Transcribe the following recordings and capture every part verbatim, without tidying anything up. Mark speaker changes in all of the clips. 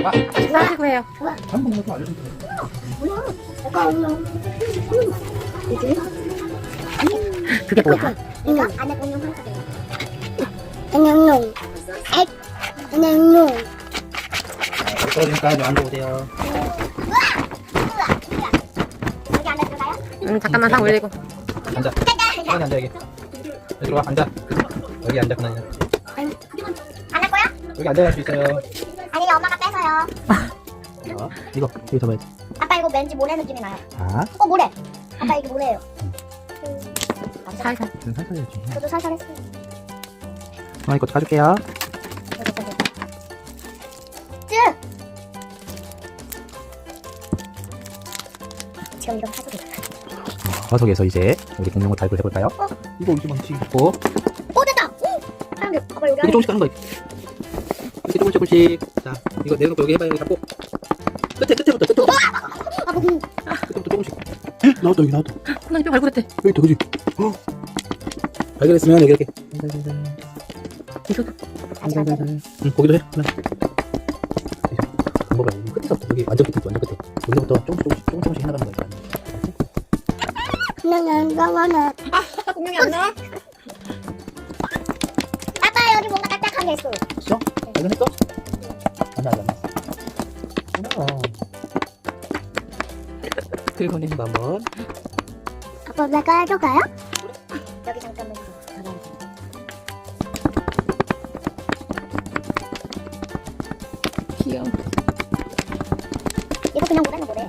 Speaker 1: 아,
Speaker 2: 식사하시고 해요.
Speaker 1: 한 번만 더 알려주면 돼.
Speaker 2: 그게 뭐야?
Speaker 3: 이거 안에 공룡 한가돼요. 안녕용. 안녕용.
Speaker 1: 떨어지니까 앉아보세요.
Speaker 3: 여기 앉아줄까요?
Speaker 2: 응, 잠깐만 상 올리고.
Speaker 1: 앉아. 편하게 앉아, 여기. 여기로 와, 앉아. 여기 앉아, 편하게.
Speaker 3: 안 할 거야?
Speaker 1: 여기 앉아갈 수 있어요.
Speaker 3: 아니 엄마가 뺏어요.
Speaker 1: 자, 이거, 여기 잡아야지.
Speaker 3: 아빠 이거 왠지 모래 느낌이 나요.
Speaker 1: 자,
Speaker 3: 어 모래. 아빠 이게 모래예요.
Speaker 2: 살살.
Speaker 1: 지금 살살 해야지.
Speaker 3: 저도 살살 했어요.
Speaker 1: 아, 이거 가줄게요.
Speaker 3: 쯔! 지금 이렇게 하고 있어요.
Speaker 1: 화석에서 이제 우리 공룡을 발굴 해볼까요?
Speaker 3: 어?
Speaker 1: 이거 이제 망치 있고.
Speaker 3: 오 됐다! 오! 사람들 아빠 여기
Speaker 1: 이렇게 조금씩 하는 거야. 이렇게 조금씩 조금씩. 자, 이거 내놓고 여기 해봐요. 여기 잡고. 끝에, 끝에부터, 끝에부터.
Speaker 3: 아빠 그
Speaker 1: 끝에부터 조금씩. 나왔다, 여기 나왔다.
Speaker 2: 코난이 뼈 발굴했대.
Speaker 1: 여기 있다, 그지? 어. 발견했으면 여기 이렇게.
Speaker 2: 이거
Speaker 1: 응, 거기도 해. 하나. 안 먹어요. 끝에서부터 여기 완전 끝에, 완전 끝에. 여기서부터 조금씩, 조금씩, 조금씩, 조금씩 해나가는 거야.
Speaker 3: 그냥 안 나와나.
Speaker 2: 아빠 공룡이 안 나와?
Speaker 3: 아빠 여기 뭔가 딱딱한 게 있어.
Speaker 1: 있어? 발견했어? 안 나, 안 나. 어.
Speaker 2: 들고 내.
Speaker 1: 이거 한번.
Speaker 3: 아빠 내가 해줄까요? 여기 잠깐만.
Speaker 2: 귀여워.
Speaker 3: 이거 그냥 모래는 모래.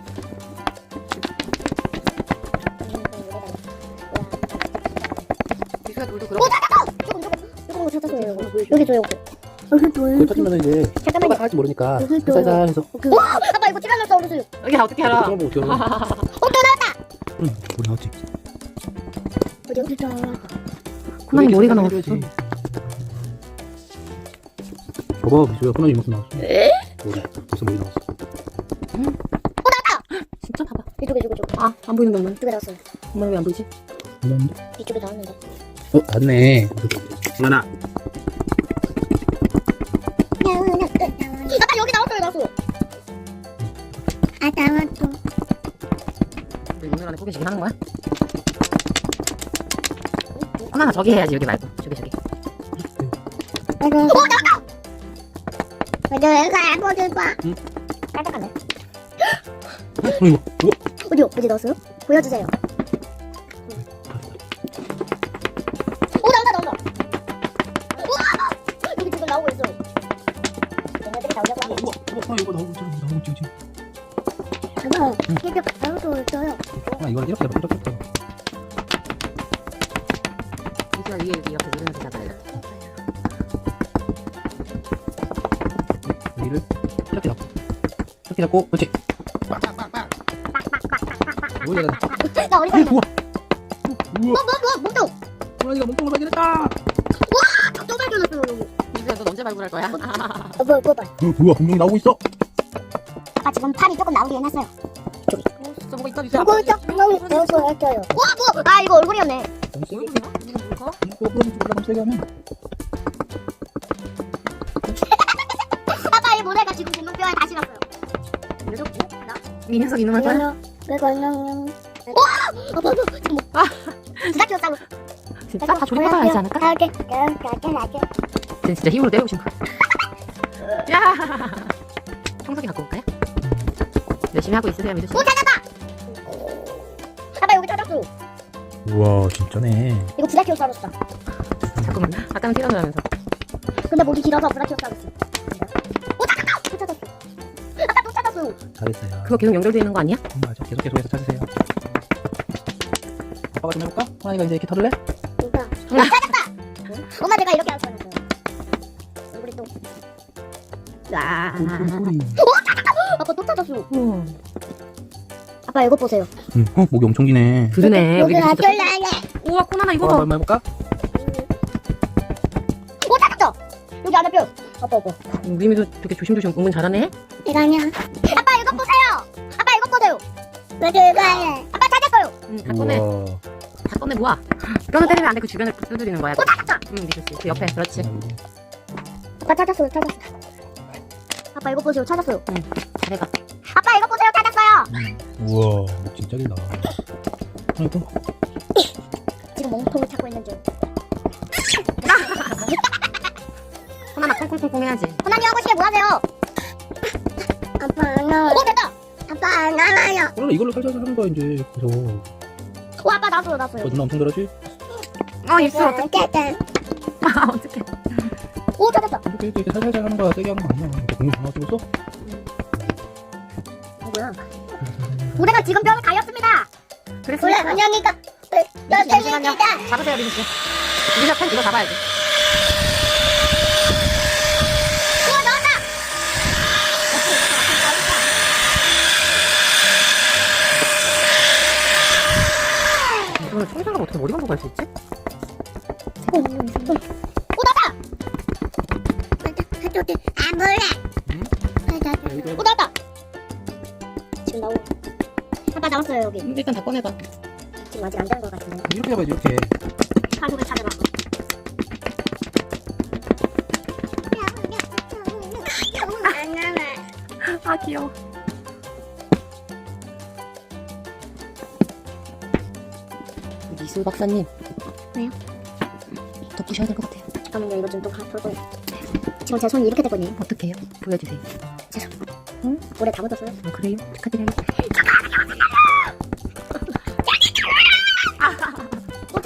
Speaker 2: 미수야 돌도
Speaker 3: 오
Speaker 2: 그렇고.
Speaker 3: 찾았어! 조금 조금 조금 찾았어요. 요거. 여기 줘 요거. 여기
Speaker 1: 그거
Speaker 3: 줘요.
Speaker 1: 찾으면 이제
Speaker 3: 잠깐만요.
Speaker 1: 뭐가 할지 모르니까
Speaker 3: 여기 있어요.
Speaker 1: 살살 해서
Speaker 3: 와! 아빠 이거 티라노사우루스.
Speaker 2: 여기 어떻게 알아?
Speaker 1: 그런 거 어떻게 알아?
Speaker 3: 어 또 나왔다.
Speaker 1: 응, 우리 나왔지.
Speaker 3: 어디 어디 줘.
Speaker 2: 코난이 머리가 나왔어.
Speaker 1: 해야지. 봐봐, 미수야, 코난이 무슨 나왔어?
Speaker 2: 에?
Speaker 1: 머리, 무슨 머리 나왔어?
Speaker 2: 진짜 봐봐.
Speaker 3: 이쪽에 이쪽에 이쪽에.
Speaker 2: 아, 안 보이는 것만.
Speaker 3: 이쪽에 나왔어요.
Speaker 2: 엄마 왜 안 보이지?
Speaker 1: 안 나왔는데?
Speaker 3: 이쪽에 나왔는데.
Speaker 1: 어, 맞네. 하나.
Speaker 3: 아빠 여기 나왔어요 나왔어. 아 나왔어.
Speaker 2: 우리 오늘 안에 포기시긴 하는 거야? 코난아 저기 해야지 여기 말고 저기 저기.
Speaker 3: 오 나왔다. 내가 보줄 봐.
Speaker 1: 응?
Speaker 3: 깜짝하네.
Speaker 1: 어, 이거, 이거.
Speaker 3: 어디요? 어디 넣었어요? 보여주세요. 오 나온다 나온다. 우와! 여기 지금 나오고 있어. 얘네들이 나오려고 하네.
Speaker 1: 우와, 우와, 이거 나오고 있잖아, 나오고 있지, 지금.
Speaker 3: 잠깐. 이게 나오고 있어요.
Speaker 1: 아, 이거 이렇게 해봐, 이렇게 해봐.
Speaker 2: 미수야 위에 여기 이렇게 누르면서 잡아요.
Speaker 1: 여기를 이렇게 잡고, 이렇게 잡고, 그렇지. 빡빡빡빡. 뭐야,
Speaker 3: 나 어디 가냐?
Speaker 1: 우와, 우와.
Speaker 3: 뭐, 뭐, 뭐, 몸통!
Speaker 1: 호랑이가 몸통을 발견했다.
Speaker 3: 또 발견했어, 여기.
Speaker 2: 미수야 넌 언제 발굴할 거야?
Speaker 3: 어, 뭐, 뭐, 봐.
Speaker 1: 어, 뭐야, 분명히 나오고 있어.
Speaker 3: 아빠 지금 팔이 조금 나오게 해놨어요.
Speaker 2: 진짜 뭐가 있다 미수야.
Speaker 3: 이거 조금 배워서 할게요. 와, 뭐! 아, 이거 얼굴이었네.
Speaker 2: 얼굴이야? 이거 뭘까?
Speaker 1: 이거 그럼 올라가면 세게 하면.
Speaker 3: 아빠, 이 모래가 지금 공룡뼈에 다시 났어요.
Speaker 2: 이 녀석 이놈할 거야?
Speaker 3: 내가 안녕. 와! 아빠, 너 지금 뭐.
Speaker 2: 아.
Speaker 3: 드라큘라사우루스.
Speaker 2: 진짜 다 조립해봐야 하지 않을까?
Speaker 3: 가게, 가게, 가게, 가게.
Speaker 2: 쟤 진짜 힘으로 때려오신 거야. 야! 청소기 갖고 올까요? 열심히 하고 있으세요, 미수 씨.
Speaker 3: 오, 찾았다! 아빠, 여기 찾았어.
Speaker 1: 우와, 진짜네.
Speaker 3: 이거 브라키오사우루스다.
Speaker 2: 자꾸만 아까는 티라노라면서.
Speaker 3: 근데 목이 길어서 브라키오사우루스. 오, 찾았다! 또 찾았어. 아빠, 또 찾았어요.
Speaker 1: 잘했어요.
Speaker 2: 그거 계속 연결되어 있는 거 아니야?
Speaker 1: 음, 맞아. 계속 계속해서 찾으세요. 아빠가 좀 해볼까? 호랑이가 이제 이렇게 털을래?
Speaker 3: 누가? 아, 찾았다! 엄마, 내가 이렇게 할 거였어요. 우리 또.
Speaker 2: 아.
Speaker 1: 소리.
Speaker 3: 아빠 또 찾았어.
Speaker 2: 우와.
Speaker 3: 아빠 이거 보세요.
Speaker 1: 응, 어, 목이 엄청 기네.
Speaker 2: 그러네. 우리
Speaker 3: 여기
Speaker 2: 진짜.
Speaker 3: 아들라래.
Speaker 2: 우와, 코난아 이거
Speaker 1: 어,
Speaker 2: 봐.
Speaker 1: 한번 해볼까?
Speaker 3: 오 찾았어. 여기 안에 뼈. 아빠 이거.
Speaker 2: 우리 미도 되게 조심조심 은근 잘하네.
Speaker 3: 이거 아니야. 아빠 이거 보세요. 아빠 이거 보세요. 이거 이거야. 아빠 찾았어요.
Speaker 2: 응, 다 꺼내.
Speaker 1: 우와.
Speaker 2: 다 꺼내 모아. 뼈는 때리면 안 돼. 그 주변을 두드리는 거야.
Speaker 3: 오 찾았다.
Speaker 2: 응, 미수 씨. 그 옆에. 그렇지.
Speaker 1: 음.
Speaker 3: 아빠 찾았어. 찾았어. 아빠 이거 보세요. 찾았어요.
Speaker 2: 잘해봐.
Speaker 3: 아빠 이거 보세요. 찾았어요.
Speaker 1: 우와, 목 진짜 길다. 아이고.
Speaker 3: 지금 몸통을 찾고 있는 중.
Speaker 2: 호나나 콩콩콩콩 해야지.
Speaker 3: 호나님 하고 싶게 뭐 하세요? 아빠 안 나와요. 오 됐다. 아빠 안 나와요.
Speaker 1: 그럼 이걸로 살살 하는 거야 이제. 그래서.
Speaker 3: 오 아빠 나왔어요. 나왔어요.
Speaker 1: 어, 누나 엄청 잘하지?
Speaker 2: 어 입술 어떡해.
Speaker 3: 어떡해.
Speaker 2: 아 어떡해.
Speaker 3: 오 찾았다.
Speaker 1: 이렇게 이렇게 살살살 하는 거야. 세게 하는 거 아니야. 이렇게 공룡 하나 찍었어?
Speaker 3: 뭐야? 우리가 지금 뼈를 가렸습니다.
Speaker 2: 그랬어.
Speaker 3: 원래 은영이가
Speaker 2: 잠시만요. 잡으세요 민씨. 민씨가 펜 이거 잡아야지.
Speaker 3: 우와 나왔다.
Speaker 2: 이거는 청소가 어떻게 머리 감고 갈 수 있지?
Speaker 3: 오 나왔다. 안 볼래. 오 나왔다. 지금 나오. 아빠 나왔어요 여기.
Speaker 2: 일단 다 꺼내봐.
Speaker 3: 지금 아직 안 된 것 같은데.
Speaker 1: 이렇게 해봐야지 이렇게.
Speaker 3: 가족을 찾아봐.
Speaker 2: 아 귀여워. 미술 박사님.
Speaker 3: 왜요?
Speaker 2: 덮으셔야 될 것 같아요.
Speaker 3: 잠깐만요. 이거 좀 또 돌고. 지금 제 손이 이렇게 됐거든요.
Speaker 2: 어떻게 해요? 보여주세요.
Speaker 3: 죄송. 응? 오래 다 묻었어요.
Speaker 2: 어, 그래요? 축하드려요.
Speaker 3: 오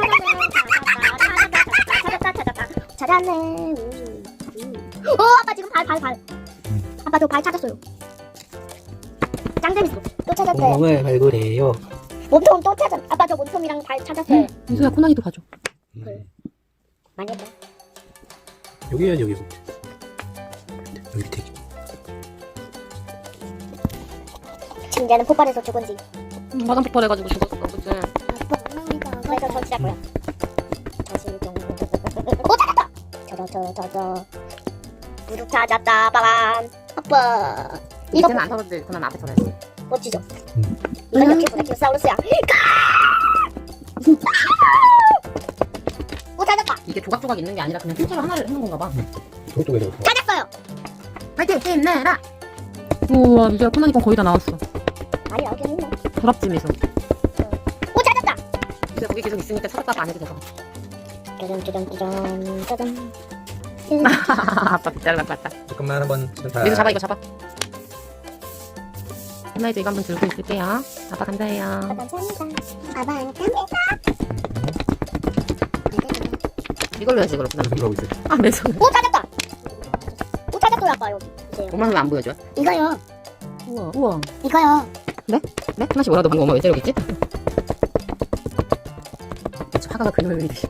Speaker 3: 찾았네. 찾았다. 찾았다. 찾았다. 찾았네. 오, 오 아빠 지금 발 발 발. 아빠 저 발 찾았어요. 짱 재밌어. 또 찾았어요.
Speaker 1: 공룡을 발굴해요.
Speaker 3: 몸통 또 찾았. 아빠 저 몸통이랑 발 찾았어요.
Speaker 2: 민수야 코난이도 봐줘.
Speaker 3: 그래. 많이 했다.
Speaker 1: 여기 해야지 여기. 여기 밑에.
Speaker 3: 침대는 폭발해서 죽은지.
Speaker 2: 음, 마당 폭발해가지고 죽었어. 그치?
Speaker 3: 그래서 설치할 거야. 다시 좀. 오 찾았다. 찾아 찾아 찾아. 무릎 찾았다. 빠밤. 아빠. 이거
Speaker 2: 이제는 안 털었지. 코난 앞에 털었지.
Speaker 3: 멋지죠?
Speaker 1: 음.
Speaker 3: 이건 역시 브라키오사우루스야. 오 찾았다.
Speaker 2: 이게 조각조각 있는 게 아니라 그냥 통째로 하나를 했는 건가 봐.
Speaker 1: 저쪽에 해서.
Speaker 3: 찾았어요.
Speaker 2: 파이팅! 힘내라! 우와 이제 코난이 건 거의 다 나왔어.
Speaker 3: 아니 나오긴 했네.
Speaker 2: 부럽지 미소.
Speaker 3: 오 찾았다.
Speaker 2: 이제 거기 계속 있으니까 찾았다고 안 해도 돼서.
Speaker 3: 짜잔 짜잔 짜잔 짜잔.
Speaker 2: 아빠 빗자루 갖고 왔다.
Speaker 1: 잠깐만 한번 다.
Speaker 2: 미소 잡아 이거 잡아. 코난이도 이거 한번 들고 있을게요. 아빠 감사해요.
Speaker 3: 감사합니다. 아빠 감사합니다.
Speaker 2: 이걸로 해야지 이걸로
Speaker 1: 무슨
Speaker 2: 코난.
Speaker 1: 하고 있어?
Speaker 2: 아 매소.
Speaker 3: 오 찾았다. 오 찾았어요 아빠 여기. 보세요.
Speaker 2: 엄마는 왜 안 보여줘?
Speaker 3: 이거요.
Speaker 2: 우와 우와.
Speaker 3: 이거요.
Speaker 2: 네? 코난씨 뭐라도 방금 엄마 왜 때리고 있지? 화가가 그림을 그리듯이.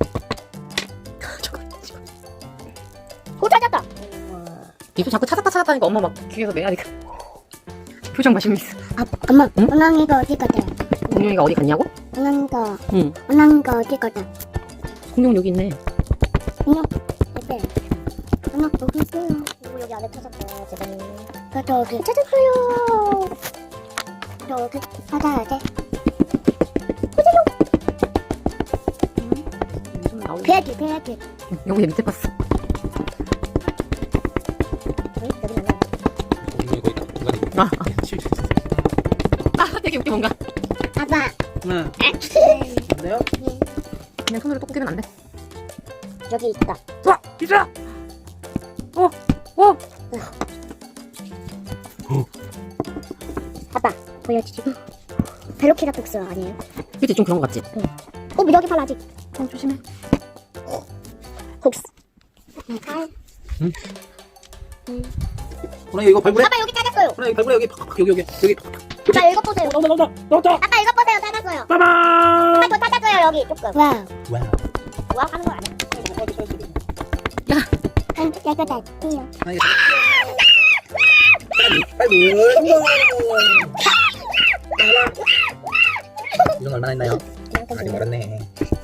Speaker 3: 오 찾았다.
Speaker 2: 미소 자꾸 찾았다 찾았다니까 엄마 막 귀에서 내야니까. 표정 맛있어.
Speaker 3: 아 엄마.
Speaker 2: 응?
Speaker 3: 은왕이가 어디 갔다?
Speaker 2: 공룡이가 어디 갔냐고?
Speaker 3: 은왕이가
Speaker 2: 응.
Speaker 3: 은왕이가 어디 갔다?
Speaker 2: 공룡 여기 있네.
Speaker 3: 은왕 어때? 은왕 여기 있어요. 오 여기 안에 찾았다. 제발. 저 여기 찾았어요. 여기 찾아야 돼.
Speaker 2: 미소는 나오네.
Speaker 3: 배야지 배야지.
Speaker 2: 응, 여기 밑에 봤어.
Speaker 3: 응? 여기 나와.
Speaker 1: 공룡이 거의 다 중간에.
Speaker 2: 아, 아 되게 웃겨 뭔가.
Speaker 3: 아빠.
Speaker 1: 하나. 안돼요?
Speaker 2: 그냥 손으로 또 꾸기면 안 돼.
Speaker 3: 여기 있다.
Speaker 2: 와 미소야. 오 오.
Speaker 3: 아빠 보여주지. 벨로키라톡스 아니에요?
Speaker 2: 그치 좀 그런 거 같지?
Speaker 3: 어 여기 팔 아직.
Speaker 2: 어 조심해.
Speaker 3: 혹시. 팔.
Speaker 1: 호랑이 이거 발굴해.
Speaker 3: 아빠 여기 찾았어요.
Speaker 1: 호랑이 여기 발굴해 여기 팍팍 여기 여기 여기.
Speaker 3: 아빠 이거 보세요.
Speaker 1: 나온다 나온다 나온다.
Speaker 3: 아빠 이거 보세요. 찾았어요.
Speaker 1: 빠밤.
Speaker 3: 아빠 저 찾았어요 여기 조금. 와우.
Speaker 1: 와우.
Speaker 3: 와우 하는 거 아니야?
Speaker 2: 야.
Speaker 3: 깨끗하지요.
Speaker 1: 호랑이. 발굴 성공. 이건 얼마나 했나요? 많이 벌었네.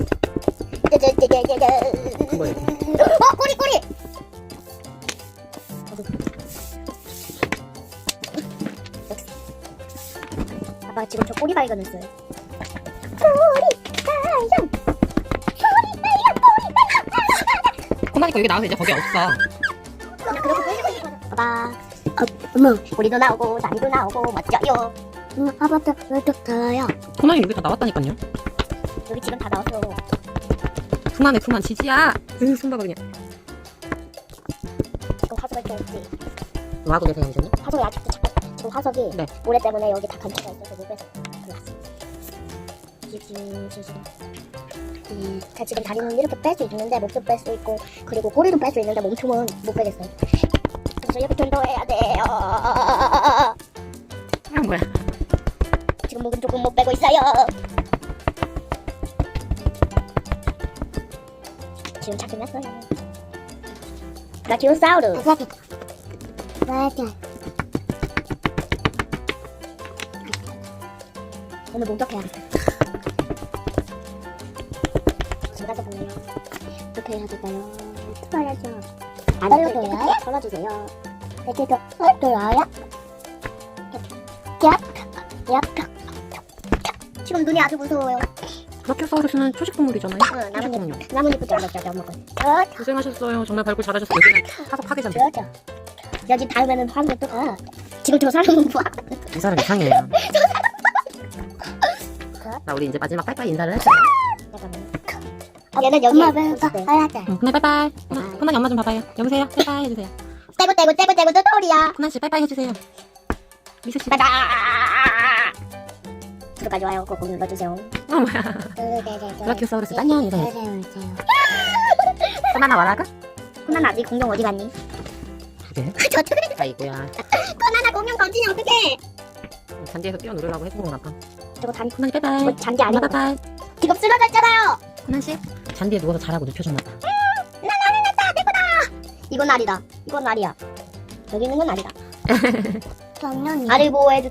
Speaker 1: 큰 거예요.
Speaker 3: 어 꼬리 꼬리. 아빠 지금 저 꼬리 발견했어요. 꼬리 발견. 꼬리 발견. 꼬리 발견.
Speaker 2: 코난이 거 여기 나와서 이제 거기 없어.
Speaker 3: 그냥 그렇게 꼬리 발견. 봐봐. 어머, 꼬리도 나오고 다리도 나오고 멋져요. 응, 아빠도 왜또 달아요?
Speaker 2: 코난이 여기 다 나왔다니까요.
Speaker 3: 여기 지금 다 나왔어.
Speaker 2: 그만해 그만 지지야. 응 손봐봐 그냥.
Speaker 3: 지금 화석을 좀 없지.
Speaker 2: 뭐 하고 계세요 이제는?
Speaker 3: 화석이 아직도 잠깐. 지금 화석이
Speaker 2: 네.
Speaker 3: 모래 때문에 여기 다 감춰져 있어서 못 빼서 들어갔어. 지금 지금 이 자, 지금 다리는 이렇게 뺄 수 있는데 목도 뺄 수 있고 그리고 꼬리도 뺄 수 있는데 몸통은 못 빼겠어요. 그래서 이렇게 운동해야 돼요.
Speaker 2: 아 뭐야?
Speaker 3: 지금 목은 조금 못 빼고 있어요. 지금 찾끝났어요 브라키오사우루스. 맞아. 맞아. 오늘 목격해야겠다. 지금 가서 볼래요? 어떻게 해야 될까요? 털어야죠. 안 털어줘요? 털어주세요. 이렇게 더 털어요? 얍, 얍, 얍. 지금 눈이 아주 무서워요.
Speaker 2: 브라키오사우루스는 초식동물이잖아요.
Speaker 3: 응,
Speaker 2: 초식동물.
Speaker 3: 나뭇잎, 나뭇잎을 잘랐죠, 엄마 거.
Speaker 2: 고생하셨어요. 정말 발굴 잘하셨어요. 화석 파괴잖아.
Speaker 3: 그렇죠. 여기 다음에는 화학을 또 가. 지금 저 사람은 뭐?
Speaker 2: 이 사람 이상해요. 나 우리 이제 마지막 빠이빠이 인사를 해.
Speaker 3: 잠깐만. 얘는 여기
Speaker 4: 엄마 왜 봐? 알았다.
Speaker 2: 응, 코난 빠이빠이. 코난, 코난이 엄마 좀 봐봐요. 여보세요. 빠이빠이 해주세요.
Speaker 3: 떼고 떼고 떼고 떼고 또 또리야.
Speaker 2: 코난 씨 빠이빠이 해주세요. 미세 씨.
Speaker 3: 바다. 구독까지 와요. 꼭 눌러주세요.
Speaker 2: 어 뭐야? 브라키오사우루스 안녕 인사해. 코난아 와라가?
Speaker 3: 코난 아직 공룡 어디 갔니?
Speaker 2: 그래?
Speaker 3: 저 그래.
Speaker 2: 아이고야.
Speaker 3: 코난아 공룡 던지니 어떡해?
Speaker 2: 잔디에서 뛰어누르려고 해본 건가 봐.
Speaker 3: 저거 잔
Speaker 2: 코난이 빠이빠이.
Speaker 3: 뭐 잔디
Speaker 2: 엄마
Speaker 3: 아니고
Speaker 2: 빠이빠이.
Speaker 3: 지금 쓰러져 있잖아요.
Speaker 2: 코난 씨. 잔디에 누워서 자라고 눕혀줬나 봐.
Speaker 3: 이건 알이다. 이건 알이야. 여기 있는 건 알이다.
Speaker 4: 정년이.
Speaker 3: 알을 보호해 주.